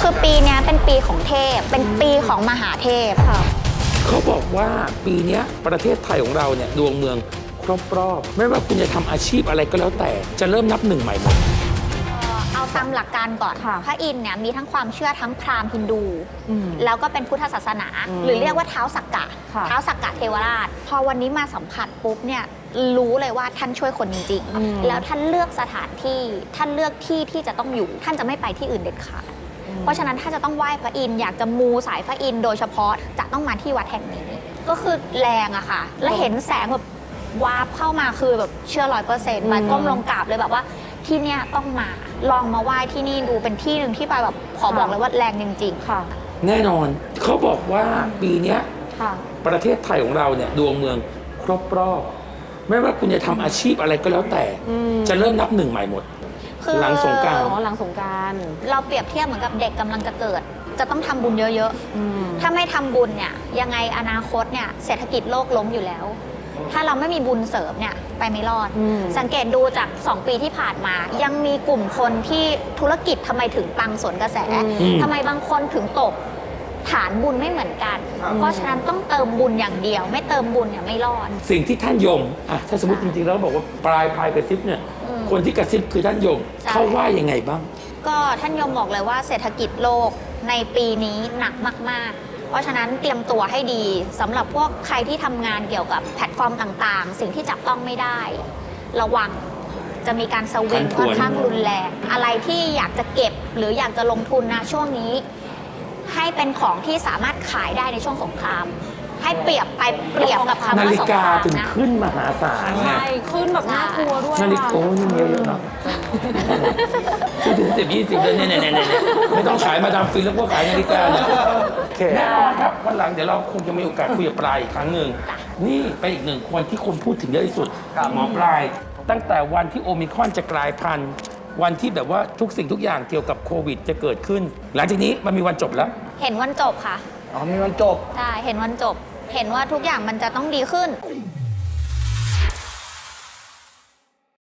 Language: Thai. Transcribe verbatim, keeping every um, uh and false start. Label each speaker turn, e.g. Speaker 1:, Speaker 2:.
Speaker 1: คือปีนี้เป็นปีของเทพเป็นปีของมหาเทพค่ะ
Speaker 2: เขาบอกว่าปีนี้ประเทศไทยของเราเนี่ยดวงเมืองครบรอบไม่ว่าคุณจะทำอาชีพอะไรก็แล้วแต่จะเริ่มนับหนึ่งใหม่หมด
Speaker 1: เอาตามหลักการก่อนพระอินทร์เนี่ยมีทั้งความเชื่อทั้งพราหมณ์ฮินดู แล้วก็เป็นพุทธศาสนา หรือเรียกว่าเท้าสักกะเท้าสักกะเทวราชพอวันนี้มาสัมผัสปุ๊บเนี่ยรู้เลยว่าท่านช่วยคนจริงๆแล้วท่านเลือกสถานที่ท่านเลือกที่ที่จะต้องอยู่ท่านจะไม่ไปที่อื่นเด็ดขาดเพราะฉะนั้นถ้าจะต้องไหว้พระอินทร์อยากจะมูสายพระอินทร์โดยเฉพาะจะต้องมาที่วัดแห่งนี้ก็คือแรงอะค่ะและเห็นแสงแบบวาบเข้ามาคือแบบเชื่อร้อยเปอร์เซ็นต์มาก้มลงกราบเลยแบบว่าที่เนี้ยต้องมาลองมาไหว้ที่นี่ดูเป็นที่หนึ่งที่ไปแบบขอบอกเลยว่าแรงจริงๆค่ะ
Speaker 2: แน่นอนเขาบอกว่าปีนี้ประเทศไทยของเราเนี่ยดวงเมืองครบรอบไม่ว่าคุณจะทำอาชีพอะไรก็แล้วแต่จะเริ่มนับหนึ่งใหม่หมดหลังสงกรานต์
Speaker 3: หลังสงกรานต์
Speaker 1: เราเปรียบเทียบเหมือนกับเด็กกำลังจะเกิดจะต้องทำบุญเยอะๆถ้าไม่ทำบุญเนี่ยยังไงอนาคตเนี่ยเศรษฐกิจโลกล้มอยู่แล้วถ้าเราไม่มีบุญเสริมเนี่ยไปไม่รอดสังเกตดูจากสองปีที่ผ่านมายังมีกลุ่มคนที่ธุรกิจทำไมถึงปังสวนกระแสทำไมบางคนถึงตกฐานบุญไม่เหมือนกันเพราะฉะนั้นต้องเติมบุญอย่างเดียวไม่เติมบุญเนี่ยไม่รอด
Speaker 2: สิ่งที่ท่านยมอ่ะถ้าสมมติจริงๆแล้วบอกว่าปลายพายกระซิบเนี่ยคนที่กระซิบคือท่านยมเขาว่ายังไงบ้าง
Speaker 1: ก็ท่านยมบอกเลยว่าเศรษฐกิจโลกในปีนี้หนักมากๆเพราะฉะนั้นเตรียมตัวให้ดีสำหรับพวกใครที่ทำงานเกี่ยวกับแพลตฟอร์มต่างๆสิ่งที่จับต้องไม่ได้ระวังจะมีการสวิงค่อนข้างรุนแรงอะไรที่อยากจะเก็บหรืออยากจะลงทุนนะช่วงนี้ให้เป็นของที่สามารถขายได้ในช่วงสงครามให้เปรียบไปเปรียบกับคำว่าสงครามนะนาฬิกา
Speaker 2: ถึงขึ้นมหาศาล
Speaker 3: ใช่ขึ้นแบบน่ากลัวด้วย
Speaker 2: นาฬิกาโอ้ยเยอะๆเนาะซื้อถึงสิบยี่สิบเลยเนี่ยเนี่ยเนี่ยไม่ต้องขายมาดามฟินแล้วก็ขายนาฬิกาเนี่ยแน่นอนครับวันหลังเดี๋ยวเราคงจะมีโอกาสคุยกับปลายอีกครั้งหนึ่งนี่เป็นอีกหนึ่งคนที่คนพูดถึงเยอะที่สุดหมอปลายตั้งแต่วันที่โอมิครอนจะกลายพันธุ์วันที่แบบว่าทุกสิ่งทุกอย่างเกี่ยวกับโควิดจะเกิดขึ้นหลังจากนี้มันมีวันจบแล้ว
Speaker 1: เห็นวันจบค่ะ
Speaker 4: อ๋อมีวันจบ
Speaker 1: ใช่เห็นวันจบเห็นว่าทุกอย่างมันจะต้องดีขึ้น